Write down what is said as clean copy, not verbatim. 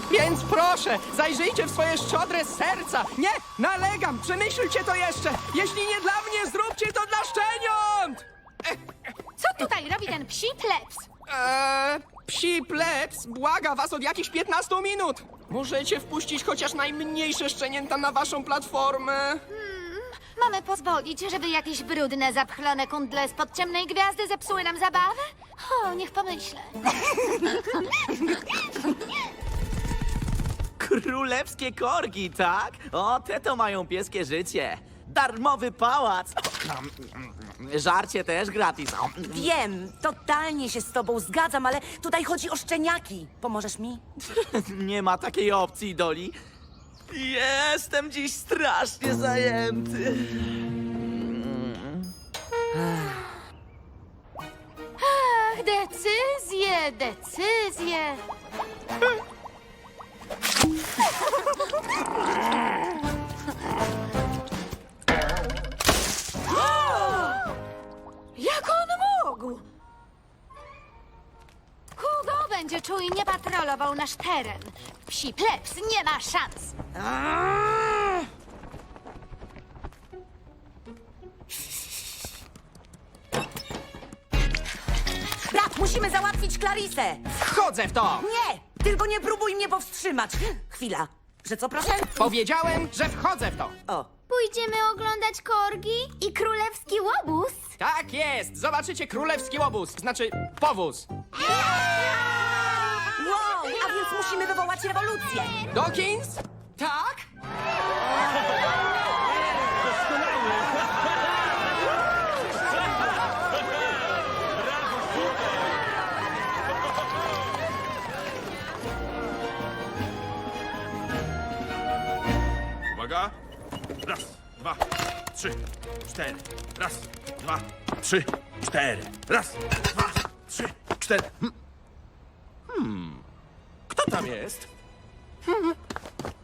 Więc proszę, zajrzyjcie w swoje szczodre serca. Nie, nalegam, przemyślcie to jeszcze. Jeśli nie dla mnie, zróbcie to dla szczeniąt! Co tutaj robi ten psi plebs? Psi plebs błaga was od jakichś 15 minut. Możecie wpuścić chociaż najmniejsze szczenięta na waszą platformę. Mamy pozwolić, żeby jakieś brudne, zapchlone kundle spod ciemnej gwiazdy zepsuły nam zabawę? O, niech pomyślę. Królewskie korgi, tak? O, te to mają pieskie życie. Darmowy pałac. Żarcie też gratis. Wiem, totalnie się z tobą zgadzam, ale tutaj chodzi o szczeniaki. Pomożesz mi? Nie ma takiej opcji, Doli. Jestem dziś strasznie zajęty. Ach, decyzje. Jak on mógł? Hugo będzie czujnie patrolował nasz teren. Psi plebs nie ma szans. Brat, musimy załatwić Clarisę! Wchodzę w to! Nie! Tylko nie próbuj mnie powstrzymać! Chwila. Że co, proszę? Powiedziałem, że wchodzę w to. O. Pójdziemy oglądać korgi i królewski łobuz. Tak jest, zobaczycie królewski łobuz, znaczy powóz. Wow, a więc musimy wywołać rewolucję! Dawkins? Tak? Uwaga! Raz, dwa, trzy, cztery. Raz, dwa, trzy, cztery. Raz, dwa, trzy, cztery. Kto tam jest?